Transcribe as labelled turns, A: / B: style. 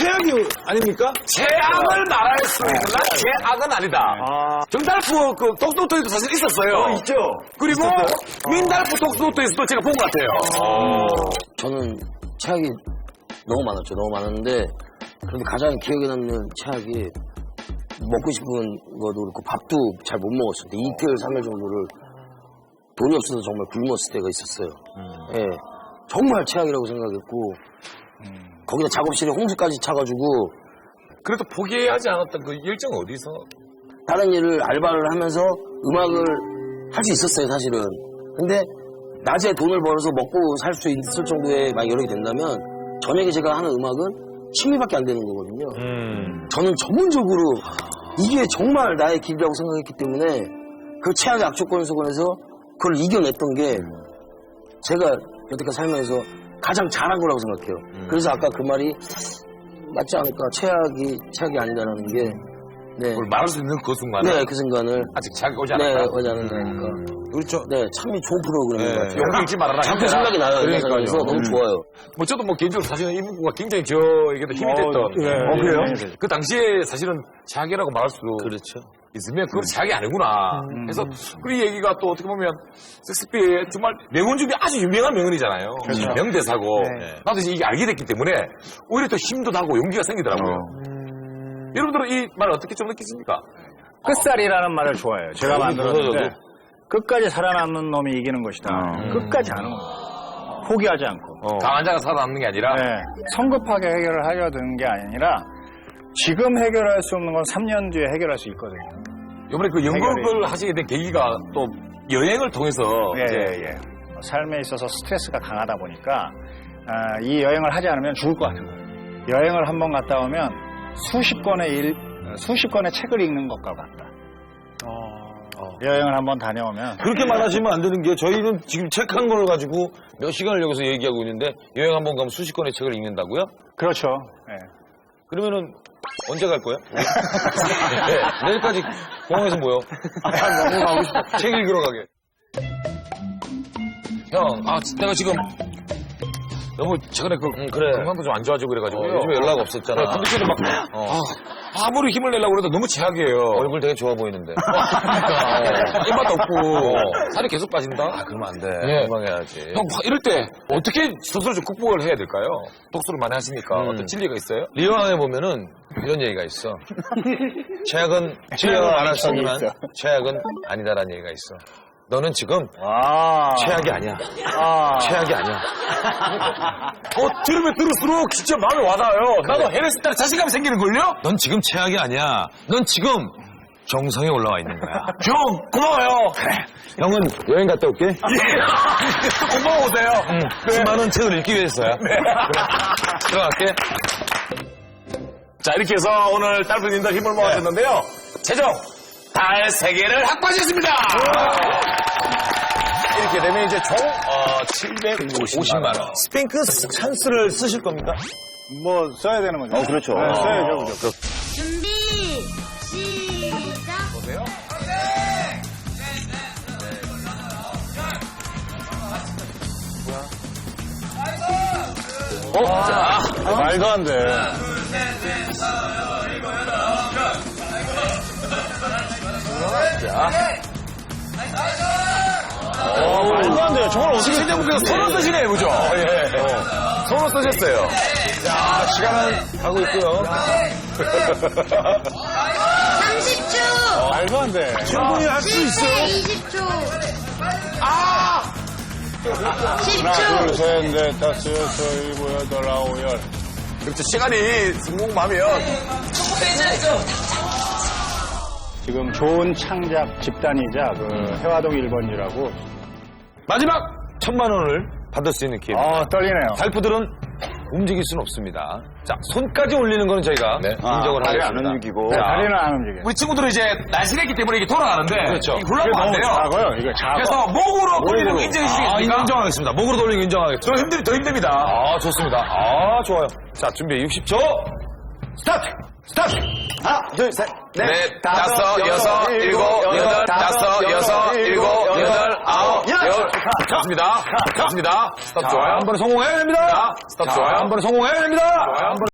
A: 최악이 아닙니까?
B: 최악을 말할 수 있으나 최악은 아니다. 정달프 그 독도토에도 사실 있었어요.
A: 있죠.
B: 그리고 민달프 독도토에서도 제가 본 것 같아요.
C: 저는 최악이 너무 많았죠. 너무 많았는데 그런데 가장 기억에 남는 최악이 먹고 싶은 것도 그렇고 밥도 잘 못 먹었을 때 이틀, 3일 정도를 돈이 없어서 정말 굶었을 때가 있었어요. 예, 정말 최악이라고 생각했고 거기다 작업실에 홍수까지 차가지고
B: 그래도 포기하지 않았던 그 열정은 어디서?
C: 다른 일을 알바를 하면서 음악을 할 수 있었어요, 사실은. 근데 낮에 돈을 벌어서 먹고 살 수 있을 정도의 막 여력이 된다면 저녁에 제가 하는 음악은 취미밖에 안 되는 거거든요. 저는 전문적으로 이게 정말 나의 길이라고 생각했기 때문에 그 최악의 악조건 속에서 그걸 이겨냈던 게 제가 여태까지 살면서 가장 잘한 거라고 생각해요. 그래서 아까 그 말이 맞지 않을까. 최악이 아니다라는 게. 네.
B: 그걸 말할 수 있는 그 순간에.
C: 네, 그 순간을.
B: 아직 최악이 오지 않았다.
C: 네, 오지 않았다니까.
A: 그렇죠.
C: 네, 참 좋은 프로그램인 것 같아요.
B: 용기 잃지 말아라.
C: 자꾸 생각이 나요.
B: 그러니까요.
C: 그래서 너무 좋아요.
B: 뭐 저도 뭐 개인적으로 사실은 이 문구가 굉장히 저에게도 힘이 됐던.
A: 그래요?
B: 그 당시에 사실은 최악이라고 말할 수
C: 그렇죠.
B: 있으면 그건 최악이 아니구나. 그래서 그 얘기가 또 어떻게 보면 섹스피의 정말 명언 중에 아주 유명한 명언이잖아요. 명대사고. 나도 이제 이게 알게 됐기 때문에 오히려 더 힘도 나고 용기가 생기더라고요. 여러분들은 이 말 어떻게 좀 느끼십니까?
D: 끝살이라는 말을 좋아해요. 제가 만들었는데 끝까지 살아남는 놈이 이기는 것이다. 끝까지 하는 거예요. 포기하지 않고.
B: 강한 자가 살아남는 게 아니라.
D: 네. 성급하게 해결을 하려 드는 게 아니라 지금 해결할 수 없는 건 3년 뒤에 해결할 수 있거든요.
B: 이번에 그 연극을 하시게 된 계기가 또 여행을 통해서.
D: 예. 삶에 있어서 스트레스가 강하다 보니까 이 여행을 하지 않으면 죽을 것 같은 거예요. 여행을 한번 갔다 오면 수십 권의 책을 읽는 것과 같다. 여행을 한번 다녀오면.
A: 그렇게 말하시면 안 되는 게 저희는 지금 책 한 권을 가지고 몇 시간을 여기서 얘기하고 있는데 여행 한번 가면 수십 권의 책을 읽는다고요?
D: 그렇죠. 네.
A: 그러면은 언제 갈 거야? 네, 내일까지 공항에서 모여. 너무 가고 싶어. 책 읽으러 가게.
B: 형, 내가 지금 너무 최근에
A: 그래.
B: 건강도 좀 안 좋아지고 그래가지고.
A: 요즘에 연락 없었잖아.
B: 컨디션이 막, 아무리 힘을 내려고 그래도 너무 최악이에요.
A: 얼굴 되게 좋아 보이는데.
B: 입맛도 없고, 살이 계속 빠진다?
A: 그러면 안 돼.
B: 예.
A: 건강해야지.
B: 형, 이럴 때 어떻게 스스로 좀 극복을 해야 될까요? 독서를 많이 하시니까 어떤 진리가 있어요?
A: 리왕에 보면은 이런 얘기가 있어. 최악은 치료를 안 할 수 없지만 최악은 아니다라는 얘기가 있어. 너는 지금 최악이 아니야. 최악이 아니야.
B: 들으면 들을수록 진짜 마음에 와닿아요. 나도 해냈을 때 자신감이 생기는걸요?
A: 넌 지금 최악이 아니야. 넌 지금 정성에 올라와 있는 거야.
B: 형, 고마워요.
A: 그래. 형은 여행 갔다 올게.
B: 고마워 오세요.
A: 수많은 책을 읽기 위해서야. 그래. 들어갈게.
B: 자, 이렇게 해서 오늘 딸분님들 힘을 모아줬는데요. 최종 달 3개를 확보하셨습니다. 이렇게 되면 이제 총 750만 원.
A: 스핑크 찬스를 쓰실 겁니까?
D: 뭐 써야 되는 거죠.
A: 그렇죠.
D: 네, 써야죠. 그죠.
E: 준비 시작.
B: 보세요.
D: 말도 안 돼. 말도 안 돼요. 저걸 어떻게.
B: 시청자분께서 손을 쓰시네요, 그죠? 손을 쓰셨어요.
A: 자, 시간은 가고 있고요.
E: 30초.
D: 말도 안 돼.
A: 충분히 할 수 있어요.
E: 20초.
D: 하나,
E: 10초.
D: 둘, 셋, 넷, 다섯, 여섯, 일곱, 여덟, 아홉, 열.
B: 그렇죠. 시간이 성공하면
D: 지금 좋은 창작 집단이자 그 해화동 1번지라고.
A: 마지막 1,000만 원을 받을 수 있는 기회.
D: 떨리네요.
A: 달프들은 움직일 수는 없습니다. 자, 손까지 올리는 거는 저희가 인정을
D: 다리 안
A: 하겠습니다.
D: 움직이고.
A: 자,
D: 다리는 안 움직여요.
B: 우리 친구들은 이제 날씬했기 때문에 이게 돌아가는데
A: 그렇죠.
B: 이게 굴러가면 안 돼요.
D: 작아요. 이거 작아.
B: 그래서 목으로 돌리는 거 인정해 주시겠습니까?
A: 인정하겠습니다. 목으로 돌리는 거 인정하겠습니다.
B: 더 힘듭니다.
A: 좋습니다. 좋아요. 자, 준비 60초. 스타트!
C: 하나, 둘, 셋,
B: 넷, 다섯, 여섯, 일곱, 여덟, 다섯, 여섯, 일곱, 여덟, 아홉, 열. 좋습니다. 좋습니다. 스톱 좋아요.
A: 한 번에 성공해야 됩니다.
B: 스톱 좋아요.
A: 한 번에 성공해야 됩니다.
B: 좋아요.